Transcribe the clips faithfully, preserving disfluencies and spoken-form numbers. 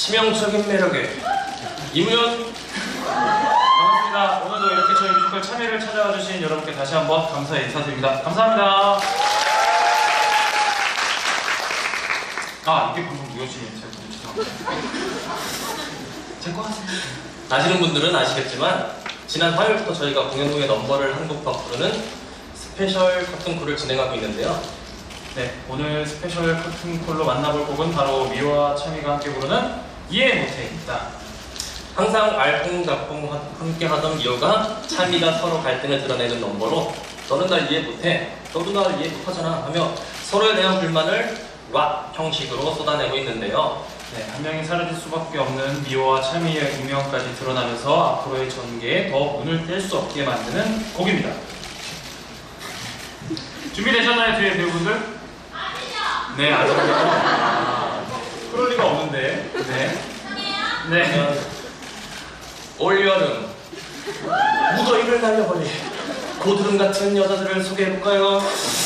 치명적인 매력의 이무현. 반갑습니다. 오늘도 이렇게 저희 뮤지컬 참여를 찾아와 주신 여러분께 다시 한번 감사의 인사드립니다. 감사합니다. 아, 이게 방금 무효시네. 죄송합니다. 제거 하세요. 아시는 분들은 아시겠지만 지난 화요일부터 저희가 공연 후에 넘버를 한 곡 부르는 스페셜 커튼콜을 진행하고 있는데요. 네, 오늘 스페셜 커튼콜로 만나볼 곡은 바로 미호와 참이가 함께 부르는 이해 못해입니다. 항상 알콩달콩 함께 하던 미호가 참이가 서로 갈등을 드러내는 넘버로 너는 날 이해 못해, 너도 날 이해 못하잖아 하며 서로에 대한 불만을 락 형식으로 쏟아내고 있는데요. 네, 한 명이 사라질 수밖에 없는 미호와 참이의 운명까지 드러나면서 앞으로의 전개에 더 눈을 뗄 수 없게 만드는 곡입니다. 준비되셨나요, 뒤에 배우분들? 아니요! 네, 아직요. 아, 그럴 리가 없는데. 네. 네. 올여름 무더위를 날려버릴 고드름 같은 여자들을 소개해볼까요?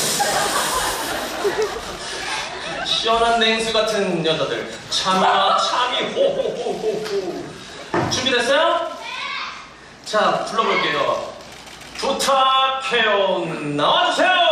시원한 냉수 같은 여자들 참이와 참이 호호호호호. 준비됐어요? 자, 불러볼게요. 부탁해요. 나와주세요.